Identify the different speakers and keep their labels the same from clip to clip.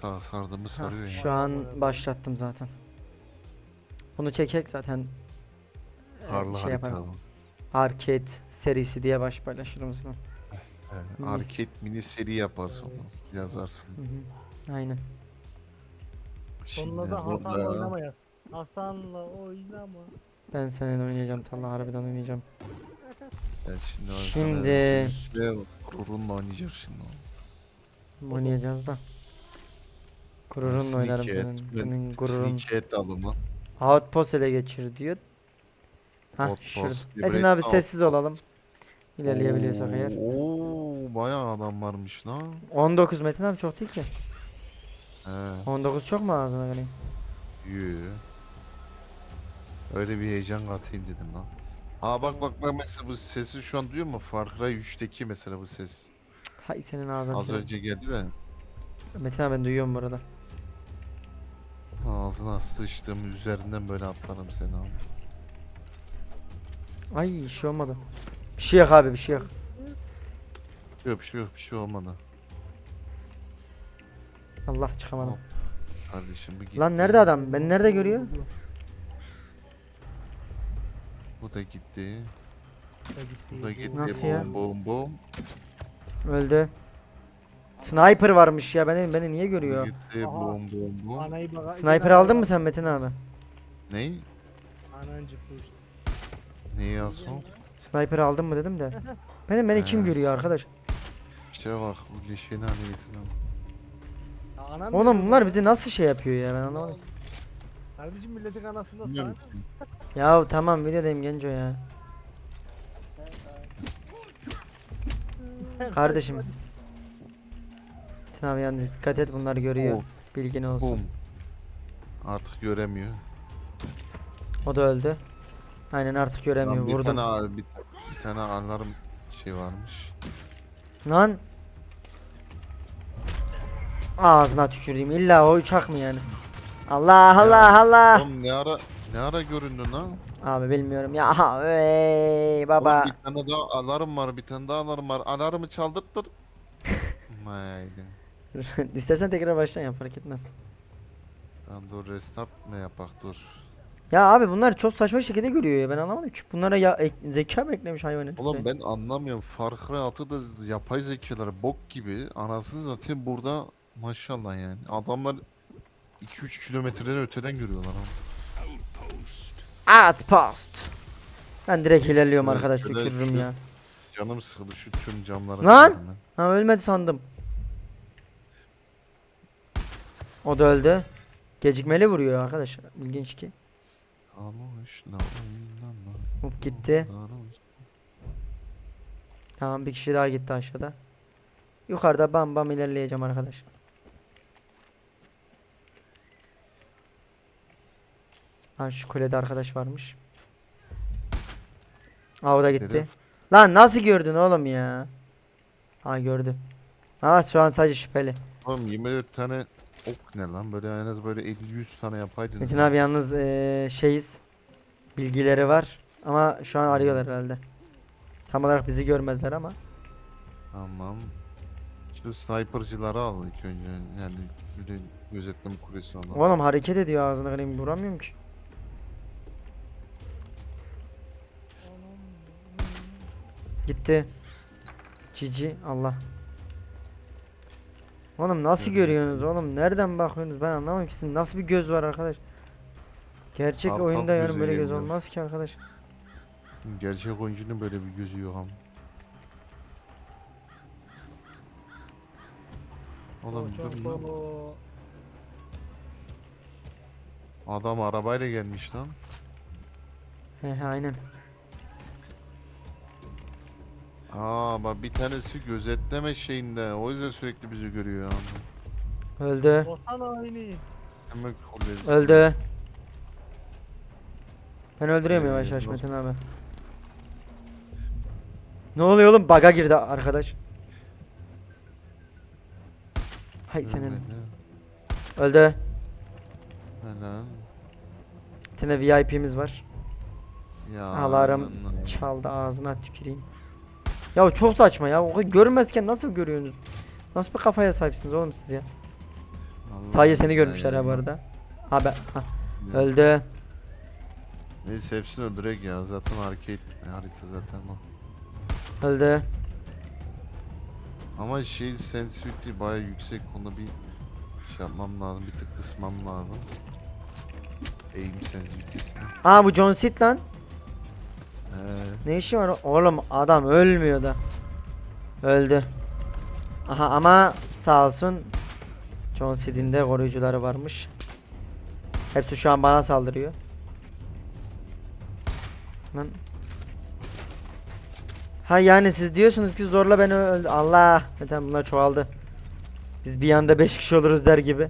Speaker 1: sardığımı sarıyor ya.
Speaker 2: Şu an başlattım zaten. Bunu çekek zaten
Speaker 1: Harlı
Speaker 2: şey
Speaker 1: harita.
Speaker 2: yaparım. Arcade serisi diye baş paylaşırım zaten.
Speaker 1: Arcade mini seri yaparsın onu. Yazarsın.
Speaker 2: Hı hı. Aynen.
Speaker 1: Şimdi
Speaker 3: Sonunda da Hasan'la
Speaker 1: burada
Speaker 3: oynamayız. Hasan'la oynama.
Speaker 2: Ben seninle oynayacağım. Talha harbiden oynayacağım.
Speaker 1: ben şimdi
Speaker 2: Şimdi-
Speaker 1: gururunla oynayacak şimdi.
Speaker 2: Oynayacağız da. Gururunla oynarım senin gururun.
Speaker 1: Sneak alımı.
Speaker 2: Outpost ele geçir diyor. Hah
Speaker 1: Outpost,
Speaker 2: şurada.
Speaker 1: Liberate
Speaker 2: Metin abi sessiz
Speaker 1: Outpost.
Speaker 2: olalım. İlerleyebiliyorsak eğer.
Speaker 1: Oo, bayağı adam varmış lan.
Speaker 2: 19 Metin abi çok değil ki.
Speaker 1: He,
Speaker 2: 19 çok mu ağzına vereyim?
Speaker 1: yü. Öyle bir heyecan katayım dedim lan. Ha bak mesela bu sesi şu an duyuyor mu? Far Cry 3'teki mesela bu ses.
Speaker 2: Hay senin ağzına
Speaker 1: Az
Speaker 2: tüküreyim.
Speaker 1: önce geldi de
Speaker 2: Metin abi ben duyuyorum bu arada.
Speaker 1: ağzına sıçtığım üzerinden böyle atlarım seni abi.
Speaker 2: Ay bir şey olmadı. Bir şey yok abi bir şey yok.
Speaker 1: Bir şey olmadı.
Speaker 2: Allah çıkamadım.
Speaker 1: Hop. Kardeşim bu gitti.
Speaker 2: Lan nerede adam? Beni nerede görüyor?
Speaker 1: Bu da gitti. Bu da gitti.
Speaker 2: Nasıl ya?
Speaker 1: Bom.
Speaker 2: Öldü. Sniper varmış ya beni niye
Speaker 1: Bu
Speaker 2: görüyor?
Speaker 1: gitti.
Speaker 3: Aha.
Speaker 1: Bom.
Speaker 3: Anayı bak.
Speaker 2: Sniper aldın mı sen Metin abi?
Speaker 1: Ney?
Speaker 3: Anancı push.
Speaker 1: Neyi yazsın?
Speaker 2: Sniper aldın mı dedim de. Beni kim
Speaker 1: He.
Speaker 2: görüyor arkadaş?
Speaker 1: İşte bak bu leşeni hale getirmem.
Speaker 2: Oğlum bunlar bizi nasıl şey yapıyor ya ben anlamadım.
Speaker 3: Kardeşim milletin anasında
Speaker 1: Bilmiyorum.
Speaker 3: sana.
Speaker 2: Ya tamam videodayım Genco ya. Kardeşim. Metin abi yalnız dikkat et bunlar görüyor.
Speaker 1: Oh.
Speaker 2: Bilgin olsun.
Speaker 1: Bum. Artık göremiyor.
Speaker 2: O da öldü. Aynen artık göremiyor.
Speaker 1: Lan
Speaker 2: Vurdum.
Speaker 1: bir tane alarm şey varmış.
Speaker 2: Lan. Ağzına tükürdüğüm illa o uçak mı yani? Allah Allah Allah.
Speaker 1: Oğlum ne ara göründün lan?
Speaker 2: Abi bilmiyorum ya. Aha, ey baba.
Speaker 1: Oğlum bir tane daha alarm var, bir tane daha alarm var. Alarmı çaldırttır. Haydi.
Speaker 2: İstersen tekrar baştan yap fark etmez.
Speaker 1: Lan dur restart mı yapak dur.
Speaker 2: Ya abi bunlar çok saçma şekilde görüyor ya ben anlamadım ki. Bunlara ya zeka mı eklemiş hayvan herif
Speaker 1: Oğlum
Speaker 2: be?
Speaker 1: ben anlamıyorum. Far Cry 6'da yapay zekalar bok gibi. Anasını zaten burada maşallah yani. Adamlar 2-3 kilometreden öteden görüyorlar ama.
Speaker 2: Outpost. Ben direkt ilerliyorum
Speaker 1: Evet,
Speaker 2: arkadaş
Speaker 1: şöyle
Speaker 2: tükürürüm
Speaker 1: şu-
Speaker 2: ya.
Speaker 1: Canım sıkıldı şu tüm camları.
Speaker 2: Lan!
Speaker 1: kırarım
Speaker 2: Ha ölmedi sandım. O da öldü. Gecikmeli vuruyor arkadaş. İlginç ki.
Speaker 1: ben. Almışlar, oynanlar,
Speaker 2: Hop gitti.
Speaker 1: oynanlar.
Speaker 2: Tamam bir kişi daha gitti aşağıda. Yukarıda bam bam ilerleyeceğim arkadaş. Ha şu kulede arkadaş varmış. Aa o da gitti.
Speaker 1: Hedef.
Speaker 2: Lan nasıl gördün oğlum ya? Ha gördü. Ha şu an sadece şüpheli.
Speaker 1: Oğlum 24 tane ok ne lan? Böyle en az böyle 50-100 tane yapaydınız.
Speaker 2: Metin
Speaker 1: ya.
Speaker 2: abi yalnız şeyiz. Bilgileri var. Ama şu an arıyorlar herhalde. Tam olarak bizi görmediler ama.
Speaker 1: Tamam. Şu sniper'cıları al ilk önce. Yani bir de gözetleme kulesi alalım.
Speaker 2: Oğlum hareket ediyor ağzına kırayım vuramıyorum ki. Gitti. Cici Allah. Oğlum nasıl
Speaker 1: Görüyorum.
Speaker 2: görüyorsunuz oğlum? Nereden bakıyorsunuz? Ben anlamadım ki sizin nasıl bir göz var arkadaş? Gerçek
Speaker 1: Alt
Speaker 2: oyunda
Speaker 1: alt
Speaker 2: yani
Speaker 1: göze
Speaker 2: böyle göz
Speaker 1: gelmiyor.
Speaker 2: olmaz ki arkadaş.
Speaker 1: Gerçek oyuncunun böyle bir gözü yok ama. Oğlum dur lan. Adam arabayla gelmiş lan.
Speaker 2: He aynen.
Speaker 1: Aa bak bir tanesi gözetleme şeyinde. O yüzden sürekli bizi görüyor yani.
Speaker 2: Öldü.
Speaker 3: Vatan haini.
Speaker 1: Hemen kulesi.
Speaker 2: Öldü. Ben öldürüyorum yavaş yavaş
Speaker 1: nasıl-
Speaker 2: Metin abi. Ne oluyor oğlum? Baga girdi arkadaş. Hay senin.
Speaker 1: Ölmedi.
Speaker 2: Öldü.
Speaker 1: Helal.
Speaker 2: Bir tane VIP'miz var.
Speaker 1: Ya.
Speaker 2: Alarm
Speaker 1: lan.
Speaker 2: çaldı ağzına tüküreyim. Ya çok saçma ya. O görmezken nasıl görüyorsunuz? Nasıl bir kafaya sahipsiniz oğlum siz ya?
Speaker 1: Allah
Speaker 2: Sadece seni
Speaker 1: Allah
Speaker 2: görmüşler
Speaker 1: ya.
Speaker 2: ha bu arada. Ha ben ha,
Speaker 1: Ya.
Speaker 2: öldü.
Speaker 1: Neyse hepsini öldürek ya. Zaten arcade harita zaten o.
Speaker 2: Öldü.
Speaker 1: Ama şey sensitivity baya yüksek. Onu bir şey yapmam lazım. Bir tık kısmam lazım. Aim sensitivity'sini.
Speaker 2: Aa bu John Seed lan.
Speaker 1: He.
Speaker 2: Ne işi var oğlum, adam ölmüyor da. Öldü. Aha ama sağ olsun John Seed'in de koruyucuları varmış. Hepsi şu an bana saldırıyor. Lan. Ha yani siz diyorsunuz ki zorla beni öldü. Allah. Zaten bunlar çoğaldı. Biz bir anda 5 kişi oluruz der gibi.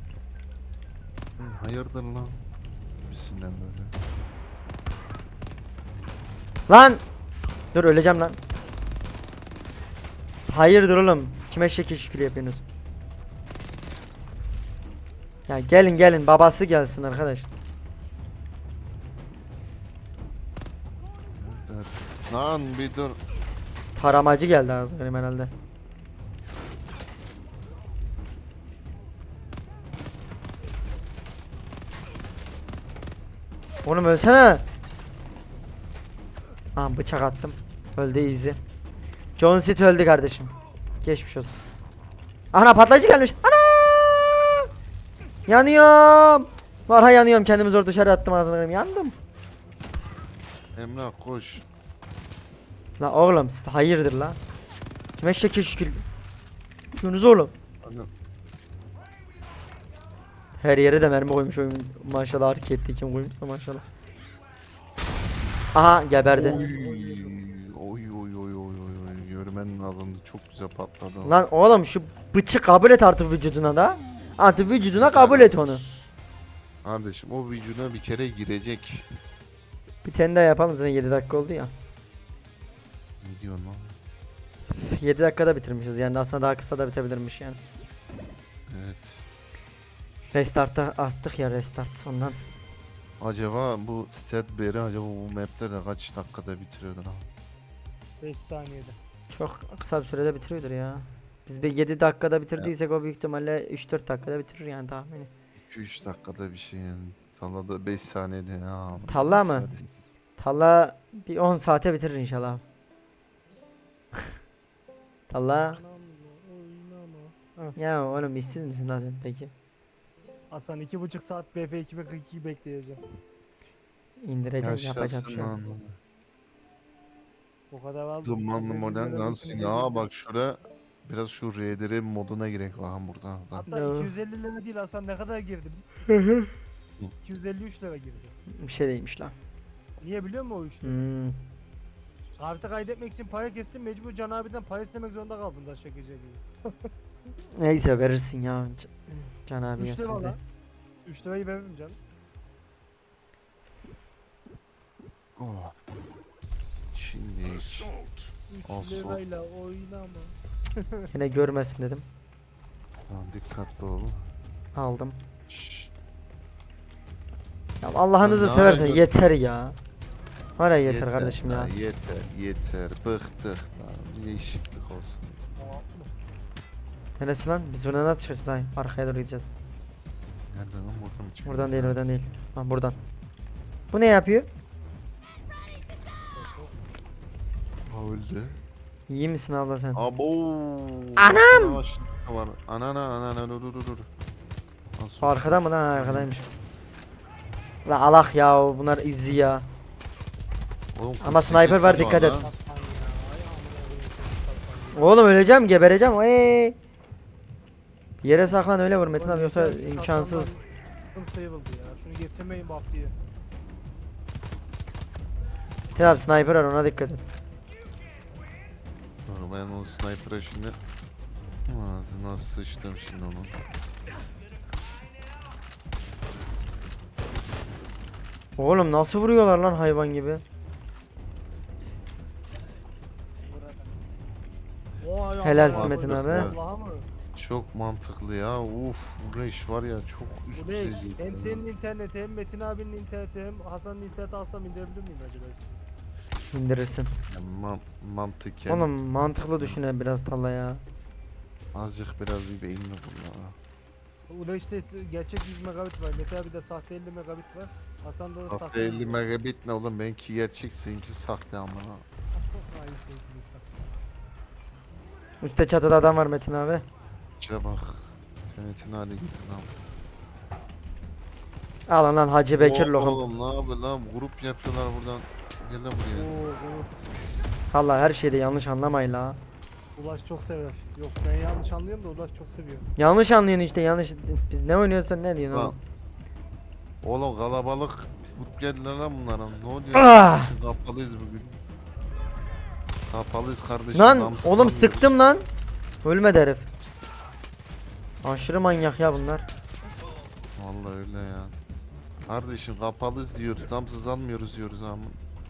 Speaker 1: Hayırdır lan? Bisinden böyle.
Speaker 2: Lan. Dur öleceğim lan. Hayırdır oğlum? Kime şekil şükür yapıyorsunuz? Ya gelin gelin, babası gelsin arkadaş.
Speaker 1: Nerede? Lan bir dur.
Speaker 2: Taramacı geldi ağzına benim herhalde. Oğlum ölsene. Aa bıçak attım. Öldü easy. John Seed öldü kardeşim. Geçmiş olsun. Ana patlayıcı gelmiş. Ana! Yanıyorum. Varha yanıyorum. Kendimi zor dışarı attım ağzına. Yandım.
Speaker 1: Emrah koş.
Speaker 2: La oğlum siz hayırdır la? Kime şekil şükür. Yunus oğlum.
Speaker 1: Ana.
Speaker 2: Her yere de mermi koymuş oyun. Maşallah hareketli kim koymuşsa maşallah. Aha geberdi.
Speaker 1: Oy oy oy oy oy. Görmenin adamı çok güzel patladı.
Speaker 2: Lan oğlum şu bıçı kabul et artık vücuduna da. Artık vücuduna kabul et onu.
Speaker 1: Kardeşim o vücuduna bir kere girecek.
Speaker 2: Bir tane daha yapalım, zaten 7 dakika oldu ya.
Speaker 1: Ne diyorsun lan?
Speaker 2: 7 dakikada bitirmişiz yani, aslında daha kısa da bitebilirmiş yani.
Speaker 1: Evet.
Speaker 2: Restart'a attık ya, restart ondan.
Speaker 1: Acaba bu Statberry acaba bu maplerde kaç dakikada bitiriyordur ha?
Speaker 3: 5 saniyede.
Speaker 2: Çok kısa bir sürede bitiriyordur ya. Biz bir 7 dakikada bitirdiysek o büyük ihtimalle 3-4 dakikada bitirir yani tahmini.
Speaker 1: 2-3 dakikada bir şey yani. Tallada 5 saniyede ya.
Speaker 2: Talla
Speaker 1: Beş
Speaker 2: mı?
Speaker 1: saniyede.
Speaker 2: Talla bir 10 saate bitirir inşallah. Talla.
Speaker 3: Oynama.
Speaker 2: Ya oğlum işsiz misin lan sen peki?
Speaker 3: Hasan 2,5 saat BF 2042 bekleyeceğim.
Speaker 2: İndireceğim, yapacağım
Speaker 1: Yaşasın
Speaker 2: şu an.
Speaker 1: lan.
Speaker 3: O kadar var.
Speaker 1: Dumanlı modern Gunslinger. Aa bak şuraya biraz şu RDR moduna girek bakın burada.
Speaker 3: Hatta
Speaker 2: Yo.
Speaker 3: 250 lira değil Hasan, ne kadar girdi? 253 lira girdi.
Speaker 2: Bir şey değilmiş lan.
Speaker 3: Niye biliyor musun o işi?
Speaker 2: Hmm.
Speaker 3: Kartı kaydetmek için para kestim, mecbur Can abiden para istemek zorunda kaldım da şaka gibi.
Speaker 2: Neyse verirsin ya. Can abi
Speaker 3: 3 lira
Speaker 2: yazsın de.
Speaker 3: lan. 3 lirayı veririm canım.
Speaker 1: Oh. Şimdi
Speaker 3: 3
Speaker 1: Olsun.
Speaker 3: lirayla oynama.
Speaker 2: Yine görmesin dedim.
Speaker 1: tamam, dikkatli ol.
Speaker 2: Aldım.
Speaker 1: Şşş.
Speaker 2: Ya Allah'ınızı
Speaker 1: Ya ne
Speaker 2: seversen
Speaker 1: yapıyorsun?
Speaker 2: yeter ya. Var ya yeter kardeşim ya.
Speaker 1: Yeter bıktık lan. Değişiklik olsun.
Speaker 2: Neresi lan? Biz buradan nasıl çıkacağız? Hayır, arkaya doğru gideceğiz.
Speaker 1: Nereden lan, buradan mı çıkıyoruz?
Speaker 2: Buradan değil,
Speaker 1: Ha?
Speaker 2: oradan değil. Ha buradan. Bu ne yapıyor?
Speaker 1: Ha, öldü.
Speaker 2: İyi misin abla sen?
Speaker 1: Abo.
Speaker 2: Anam!
Speaker 1: Var. Anana dur. Nasıl
Speaker 2: O arkada mı lan? Ha, arkadaymış. La alak ya, bunlar izzi ya.
Speaker 1: Oğlum,
Speaker 2: Ama
Speaker 1: 48
Speaker 2: sniper var,
Speaker 1: saniye
Speaker 2: dikkat et.
Speaker 1: lan.
Speaker 3: Hasan ya, ay amına koyayım, Hasan ya.
Speaker 2: Oğlum öleceğim, gebereceğim. Bir yere saklan öyle vur Metin abi, yoksa imkansız.
Speaker 3: Sayıldı ya. Şunu getirmeyin bak diye.
Speaker 2: Metin abi sniper var, ona dikkat et.
Speaker 1: Dur ben o sniper'a şimdi ağzına sıçtım şimdi onun.
Speaker 2: Oğlum nasıl vuruyorlar lan hayvan gibi.
Speaker 3: Vay
Speaker 2: Helalsin
Speaker 3: amına
Speaker 2: Metin
Speaker 3: koydum,
Speaker 1: abi.
Speaker 3: vallahi mı?
Speaker 1: Çok mantıklı ya. Uf, bu iş var ya çok üst
Speaker 3: Bu ne?
Speaker 1: düzey.
Speaker 3: Hem senin interneti hem Metin abinin interneti hem Hasan'ın interneti alsam indirebilir miyim acaba?
Speaker 2: İndirirsin.
Speaker 1: Yani mantıken
Speaker 2: Oğlum mantıklı düşüne biraz Talla ya.
Speaker 1: azıcık biraz bir beynini kullan.
Speaker 3: Ula işte gerçek 100 megabit var. Mete abi de sahte 50 megabit var. Hasan'da da
Speaker 1: Hatta
Speaker 3: sahte
Speaker 1: 50 megabit ne oğlum, benimki gerçek, seninki sahte amına.
Speaker 3: Çok hain sevgili insan.
Speaker 2: Üstte çatıda adam var Metin abi.
Speaker 1: İçe bak. TNT'nin hale getir lan.
Speaker 2: Alın lan Hacı Bekir lokum.
Speaker 1: Oğlum ne yapıyor lan, grup yapıyorlar buradan. Gel lan buraya.
Speaker 2: Allah her şeyde yanlış anlamayın la.
Speaker 3: Ulaş çok sever. Yok ben yanlış anlıyorum da Ulaş çok seviyor.
Speaker 2: Yanlış anlıyorsun işte yanlış. Biz ne oynuyorsan ne diyorsun
Speaker 1: Lan.
Speaker 2: oğlum.
Speaker 1: Oğlum kalabalık grup geldiler lan bunlara. Ne oluyor?
Speaker 2: Ah!
Speaker 1: Kardeşim, kapalıyız bugün. Kapalıyız kardeşim.
Speaker 2: Lan
Speaker 1: namussuz
Speaker 2: oğlum
Speaker 1: sanmıyoruz.
Speaker 2: sıktım lan. Ölmedi herif. Aşırı manyak ya bunlar.
Speaker 1: Vallahi öyle ya. Kardeşim kapalıyız diyoruz. Tam sızanmıyoruz diyoruz ama.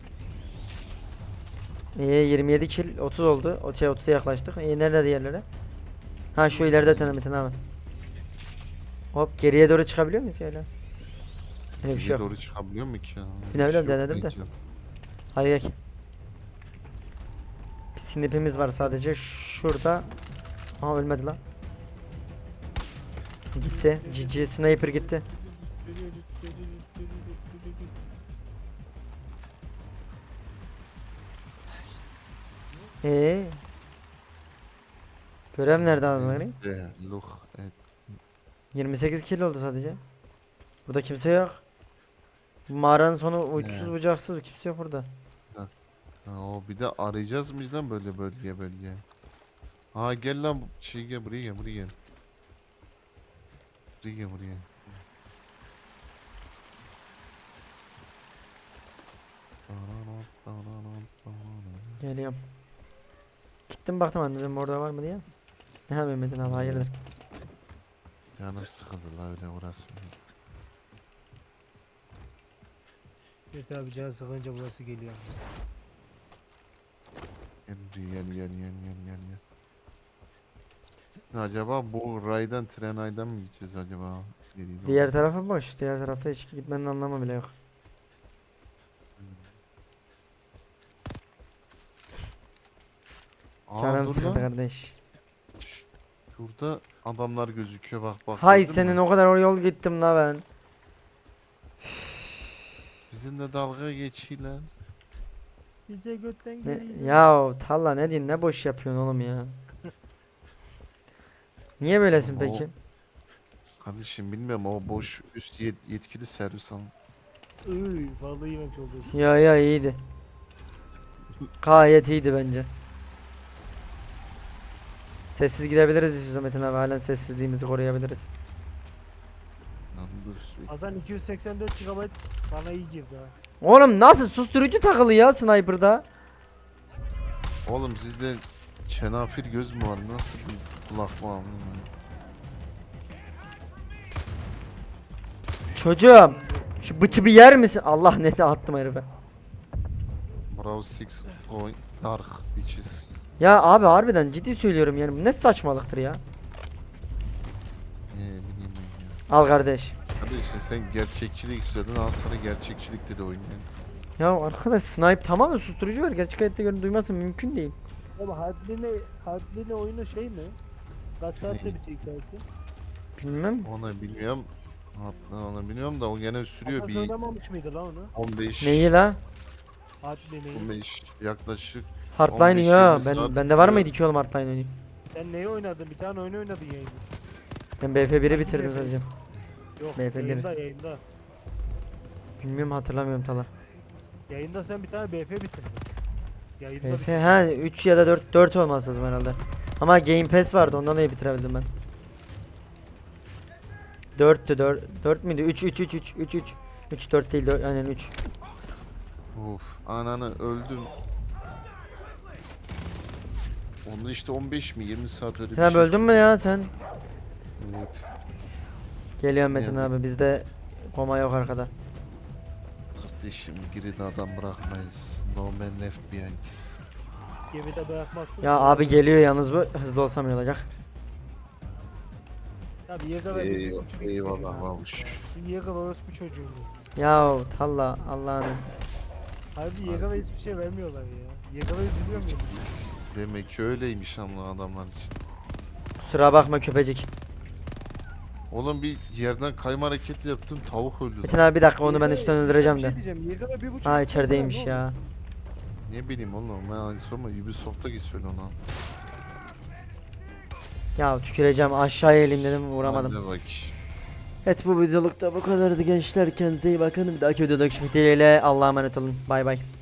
Speaker 2: 27 kill 30 oldu. O şey 30'a yaklaştık. Nerede diğerleri? Ha şu ileride tane Metin abi. Hop geriye doğru çıkabiliyor muyuz öyle? Öyle bir şey yok.
Speaker 1: Doğru çıkabiliyor mu ki ya?
Speaker 2: Ne bileyim,
Speaker 1: Bir şey yok
Speaker 2: denedim de.
Speaker 1: belki.
Speaker 2: Hadi gel. Bir snipimiz var sadece şurada. Aha ölmedi lan. Gitti. GG sniper gitti. Görev nerede ağzına gireyim?
Speaker 1: Look. Evet.
Speaker 2: 28 kill oldu sadece. Burada kimse yok. Bu mağaranın sonu uçsuz
Speaker 1: He.
Speaker 2: bucaksız kimse yok burada.
Speaker 1: Ha, o bir de arayacağız mıyız lan böyle bölge. Ha gel lan gel buraya gel. Buraya gel buraya.
Speaker 2: Geliyorum. Gittim baktım anladım orada var mı diye. Ne yapayım Metin abi hayırdır.
Speaker 1: Canım sıkıldı la öyle uğraşmıyor.
Speaker 3: Mete abi canı sıkınca burası geliyor.
Speaker 1: Gel buraya gel. Acaba bu raydan Trenay'dan mı gideceğiz acaba?
Speaker 2: Diğer tarafı boş. Diğer tarafta hiç gitmenin anlamı bile yok. Canım
Speaker 1: dur
Speaker 2: sıkıldı
Speaker 1: lan.
Speaker 2: kardeş.
Speaker 1: Şurada adamlar gözüküyor bak.
Speaker 2: Hay
Speaker 1: gördün
Speaker 2: senin
Speaker 1: mü?
Speaker 2: o kadar o yol gittim la ben.
Speaker 1: Bizimle dalga geçiyorlar.
Speaker 3: Bize götten
Speaker 2: Ne,
Speaker 3: geliyor.
Speaker 2: ya Talla ne diyorsun ne boş yapıyorsun oğlum ya. Niye böylesin
Speaker 1: O-
Speaker 2: peki?
Speaker 1: Kardeşim bilmiyorum, o boş üst yetkili servis ama.
Speaker 3: Vallahi yemek oldu.
Speaker 2: Ya iyiydi. Gayet iyiydi bence. Sessiz gidebiliriz istiyorsan Metin abi halen sessizliğimizi koruyabiliriz.
Speaker 1: Lan dur.
Speaker 3: Hasan 284 GB bana iyi girdi ha.
Speaker 2: Oğlum nasıl susturucu takılı ya sniper'da?
Speaker 1: Oğlum sizde çenafir göz mü var? Nasıl bir kulak var?
Speaker 2: Çocuğum şu bıçı bir yer misin? Allah ne de attım herife.
Speaker 1: Bravo 6 going dark bitches.
Speaker 2: Ya abi harbiden ciddi söylüyorum yani bu ne saçmalıktır ya.
Speaker 1: Ne bileyim ben ya.
Speaker 2: Al kardeş.
Speaker 1: Kardeşim sen gerçekçilik istiyordun, al sana gerçekçilik dedi oyun.
Speaker 2: Ya arkadaş snipe tamam da susturucu var. Gerçek hayatta görün duyması mümkün değil.
Speaker 3: Ama Hardline oyunu şey mi? Kaç saatte bitiyor hikayesi?
Speaker 2: Bilmem.
Speaker 1: Onu bilmiyorum. Hatta onu bilmiyorum da o gene sürüyor
Speaker 3: Hasan
Speaker 1: bir
Speaker 3: oynamamış mıydı lan onu?
Speaker 1: 15
Speaker 2: Neyi la?
Speaker 3: Hardline'i.
Speaker 1: 15 yaklaşık.
Speaker 2: Hardline
Speaker 1: 15-20
Speaker 2: ya.
Speaker 1: saat
Speaker 2: Bende var
Speaker 1: sürüyor.
Speaker 2: mıydı ki oğlum hardline oynayayım?
Speaker 3: Sen neyi oynadın? Bir tane oyun oynadın yayında.
Speaker 2: Ben BF1'i
Speaker 3: Hangi
Speaker 2: bitirdim
Speaker 3: BF?
Speaker 2: sadece.
Speaker 3: Yok
Speaker 2: Beyefendi.
Speaker 3: yayında.
Speaker 2: Bilmiyorum hatırlamıyorum Tala.
Speaker 3: Yayında sen bir tane BF bitirdin. Yayında
Speaker 2: BF
Speaker 3: bitirdin.
Speaker 2: ha 3 ya da 4 olması lazım herhalde. Ama Game Pass vardı ondan dolayı bitirebildim ben. 4'tü 4 müydü? 3 4 değil 4 aynen 3.
Speaker 1: Of ananı öldüm. Onda işte 15 mi 20 saat öyle bir
Speaker 2: Sen
Speaker 1: şey.
Speaker 2: öldün mü ya sen?
Speaker 1: Evet.
Speaker 2: Geliyorum Metin
Speaker 1: Yazık.
Speaker 2: abi bizde koma yok arkada.
Speaker 1: Kardeşim geride adam bırakmayız. No man left behind.
Speaker 3: Gemide bırakmazsın.
Speaker 2: Ya abi geliyor yalnız bu hızlı olsam iyi olacak.
Speaker 3: Tabii Yegal
Speaker 1: Eyvallah babuş.
Speaker 3: Yegal orospu çocuğu.
Speaker 2: Ya Talla Allah'ını.
Speaker 3: Harbi Yegal'a hiçbir şey vermiyorlar ya. Yegal'a üzülüyor muyum?
Speaker 1: Demek ki öyleymiş ama adamlar için.
Speaker 2: Kusura bakma köpecik.
Speaker 1: Oğlum bir yerden kayma hareketi yaptım, tavuk öldü.
Speaker 2: Metin abi bir dakika onu ben
Speaker 3: YKB
Speaker 2: üstten öldüreceğim
Speaker 3: bir
Speaker 2: de.
Speaker 3: şey diyeceğim. YKB 1.5
Speaker 2: Ha
Speaker 3: lira
Speaker 2: içerideymiş
Speaker 3: ne oldu?
Speaker 2: ya.
Speaker 1: Ne bileyim oğlum, ben hani sorma, Ubisoft'a git söyle ona.
Speaker 2: Ya tüküreceğim, aşağıya eğilim dedim vuramadım.
Speaker 1: Hadi bak.
Speaker 2: Evet, bu videoluk da bu kadardı gençler, kendinize iyi bakın. Bir dahaki videoda görüşmek dileğiyle, Allah'a emanet olun, bay bay.